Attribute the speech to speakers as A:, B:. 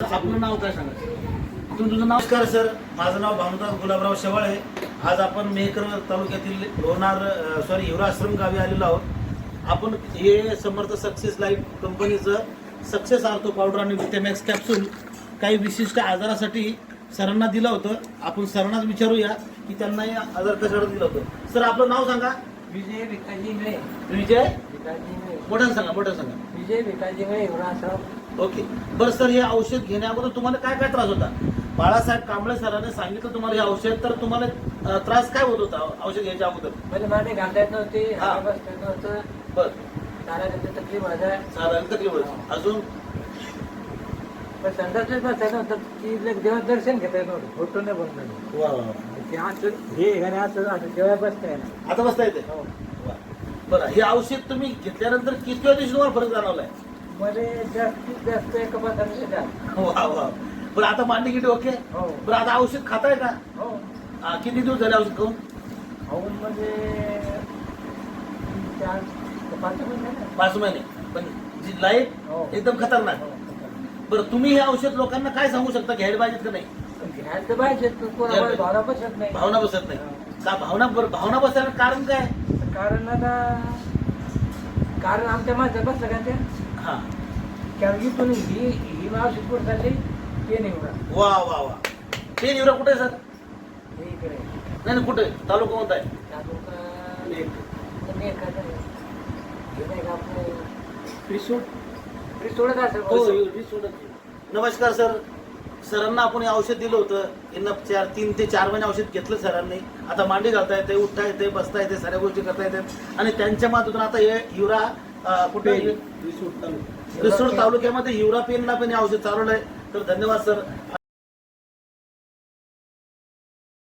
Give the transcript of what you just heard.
A: आपलं नाव काय सांगा? तुझं नाव? नमस्कार सर, माझं नाव भानुदास गुलाबराव शेवाळे. आज आपण मेहकर तालुक्यातील हिवरा आश्रम गावी आलेलो आहोत. आपण हे समर्थ सक्सेस लाईफ कंपनीचं सक्सेस आर्थो पावडर आणि विटॅमॅक्स कॅप्सूल काही विशिष्ट आजारासाठी सरांना दिलं होतं. आपण सरांनाच विचारूया की त्यांना हे आजार कशासाठी दिलं होतं. सर आपलं नाव सांगा.
B: विजय भिकाजी इंगळे.
A: विजय
B: भिकाजी इंगळे.
A: मोठ्यानं सांगा, मोठ्यानं सांगा.
B: विजय भिकाजी इंगळे हिवरा आश्रम.
A: ओके बरं सर, हे औषध घेण्या अगोदर तुम्हाला काय काय त्रास होता? बाळासाहेब कांबळे सरांनी सांगितलं तुम्हाला हे औषध, तर तुम्हाला त्रास काय होत होता औषध घ्यायच्या अगोदर?
B: म्हणजे मांडी घालता येत नव्हती,
A: हा.
B: हात बसता येत नव्हतं,
A: बर
B: चालायला तकलीफ व्हायचा.
A: साधारण तकलीफ होती. अजून
B: पण संडासच बसता येत नव्हतं, की देवात दर्शन घेता येत नव्हतं, फोटो नाही बनतो.
A: वा वा वा.
B: ते असं हे घरी असं देवा बसता येणार.
A: आता बसता येते.
B: हो.
A: वा. बरं, हे औषध तुम्ही घेतल्यानंतर किती दिवशी तुम्हाला फरक जाणवलाय?
B: मध्ये जास्तीत जास्त एक 15 दिवसात.
A: वा वा. बरं आता मांडी किती ओके?
B: हो.
A: बरं आता औषध खाताय का?
B: हो.
A: किती दिवस झाले औषध खाऊन?
B: खाऊन म्हणजे 4 ते 5 महिने.
A: 5 महिने. पण जी लाईफ
B: हो.
A: एकदम खतरनाक.
B: हो.
A: बरं, तुम्ही हे औषध लोकांना काय सांगू शकता? घ्यायला पाहिजेत का नाही?
B: घ्यायचं पाहिजे, कोणाला भावना बसत नाही.
A: भावना बसत नाही का? भावना बसायला कारण काय?
B: कारण आमच्या माणसात बसलं का त्या
A: हा.
B: कारण इथून ही मावशी कुठं चालली ते नाही उडा.
A: वा वा वा. ते निवडा कुठे आहे सर?
B: हे इकडे
A: नाही नाही, कुठे? तालुका कोणता आहे? नमस्कार सर, सरांना आपण हे औषध दिलं होतं. यांना 3 ते 4 महिने औषध घेतलं सरांनी. आता मांडी घालता येते, उठता येते, बसता येते, साऱ्या गोष्टी करता येतात. आणि त्यांच्या माध्यमातून आता हे हिवरा कुठे रिसोड तालुक्यामध्ये हिवरा पेनला पण हे औषध चालवलं आहे. तर धन्यवाद सर.